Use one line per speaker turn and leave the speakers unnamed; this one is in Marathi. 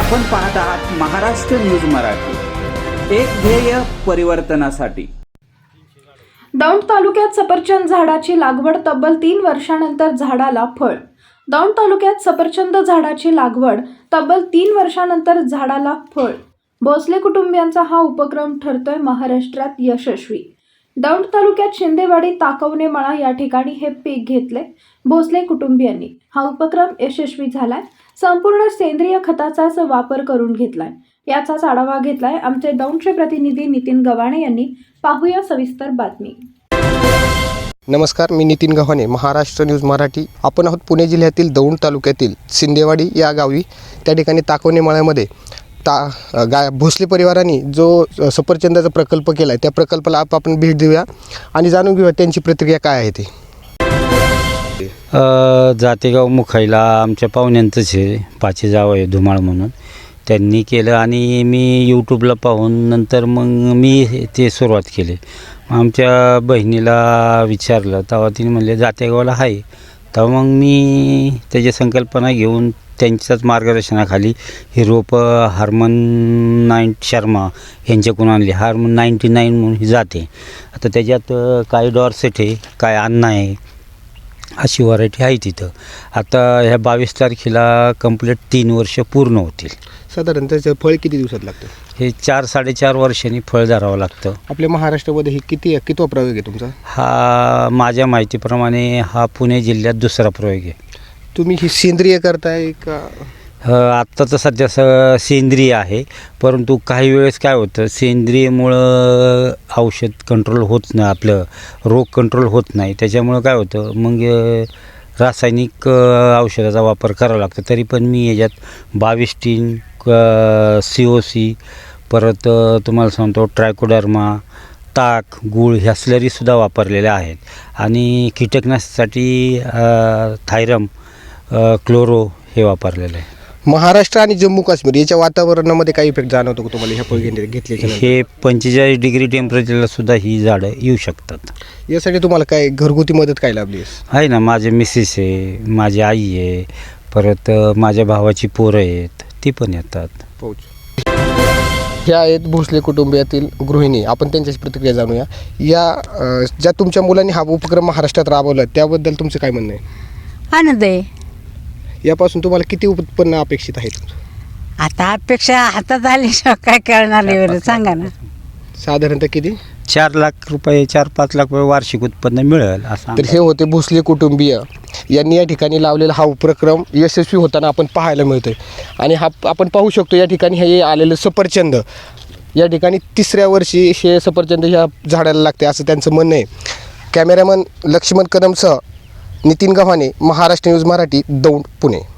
आपण पाहत आहात महाराष्ट्र न्यूज मराठी, एक ध्येय परिवर्तनासाठी।
दौंड तालुक्यात सफरचंद झाडाची लागवड तब्बल 3 वर्षांनंतर झाडाला फळ। दौंड तालुक्यात सफरचंद झाडाची लागवड तब्बल 3 वर्षांनंतर झाडाला फळ। भोसले कुटुंबियांचा हा उपक्रम ठरतोय महाराष्ट्रात यशस्वी। दौंड तालुक्यात शिंदेवाडी ताकवणे मळा या ठिकाणी हे पीक घेतले भोसले कुटुंबियांनी। हा उपक्रम यशस्वी झालाय। संपूर्ण सेंद्रिय खताचाच वापर करून घेतलाय। याचाच आढावा घेतलाय आमचे दौंडचे प्रतिनिधी नितीन गव्हाणे यांनी। पाहूया सविस्तर बातमी।
नमस्कार, मी नितीन गव्हाणे, महाराष्ट्र न्यूज मराठी। आपण आहोत पुणे जिल्ह्यातील दौंड तालुक्यातील शिंदेवाडी या गावी। त्या ठिकाणी ताकवणे मळ्यामध्ये भोसले परिवारांनी जो सफरचंदाचा प्रकल्प केला आहे त्या प्रकल्पाला आपण भेट देऊया आणि जाणून घेऊया त्यांची प्रतिक्रिया काय आहे ती।
जातेगाव मुखाईला आमच्या पाहुण्यांचंच आहे, पाचे जाव आहे धुमाळ म्हणून, त्यांनी केलं आणि मी यूट्यूबला पाहून नंतर मग मी ते सुरुवात केली। आमच्या बहिणीला विचारलं तेव्हा तिने म्हणले जातेगावला आहे, तेव्हा मग मी त्याची संकल्पना घेऊन त्यांच्याच मार्गदर्शनाखाली ही रोपं हार्मन शर्मा यांच्याकडून आणली। हार्मन 99 म्हणून ही जाते। आता त्याच्यात काही डॉर्सेट आहे, काय अन्ना आहे, अशी व्हरायटी आहे तिथं। आता ह्या 22 तारखेला कंप्लीट 3 वर्ष पूर्ण होतील।
साधारण त्याचं फळ किती दिवसात लागतं?
हे 4-4.5 वर्षांनी फळ धरावं लागतं।
आपल्या महाराष्ट्रामध्ये ही कितवा प्रयोग आहे तुमचा?
हा माझ्या माहितीप्रमाणे हा पुणे जिल्ह्यात दुसरा प्रयोग आहे।
तुम्ही ही सेंद्रिय करताय का?
आत्ता तर सध्या सेंद्रिय आहे, परंतु काही वेळेस काय होतं, सेंद्रियमुळं औषध कंट्रोल होत नाही, आपलं रोग कंट्रोल होत नाही। त्याच्यामुळं काय होतं, मग रासायनिक औषधाचा वापर करावा लागतो। तरी पण मी याच्यात 22 COC, परत तुम्हाला सांगतो ट्रायकोडर्मा, ताक, गूळ ह्या स्लरीसुद्धा वापरलेल्या आहेत। आणि कीटकनाशकासाठी थायरम, क्लोरो हे वापरलेलं आहे।
महाराष्ट्र आणि जम्मू काश्मीर याच्या वातावरणामध्ये काही इफेक्ट जाणवतो का तुम्हाला ह्या फळ घेतल्याच्या?
हे 45 डिग्री टेम्परेचरला सुद्धा ही झाडं येऊ शकतात।
यासाठी तुम्हाला काय घरगुती मदत काय लाभली
आहे ना, माझे मिसेस आहे, माझी आई आहे, परत माझ्या भावाची पोरं आहेत, ती पण येतात।
ह्या आहेत भोसले कुटुंबियातील गृहिणी। आपण त्यांच्याची प्रतिक्रिया जाणूया। ज्या तुमच्या मुलांनी हा उपक्रम महाराष्ट्रात राबवला त्याबद्दल तुमचं काय म्हणणं आहे?
आनंद आहे।
यापासून तुम्हाला किती उत्पन्न अपेक्षित आहे?
आता अपेक्षा हातात आल्याशिवाय काय करणार आहे सांगा ना।
साधारणतः किती?
4 लाख रुपये, 4-5 लाख रुपये वार्षिक उत्पन्न मिळेल असं।
तर हे होते भोसले कुटुंबीय यांनी या ठिकाणी लावलेला हा उपक्रम यशस्वी होताना आपण पाहायला मिळतोय। आणि हा आपण पाहू शकतो या ठिकाणी हे आलेलं सफरचंद या ठिकाणी 3ऱ्या वर्षी हे सफरचंद ह्या झाडाला लागते असं त्यांचं म्हणणं आहे। कॅमेरामन लक्ष्मण कदमसह नितीन गव्हाणे, महाराष्ट्र न्यूज मराठी, दौंड, पुणे।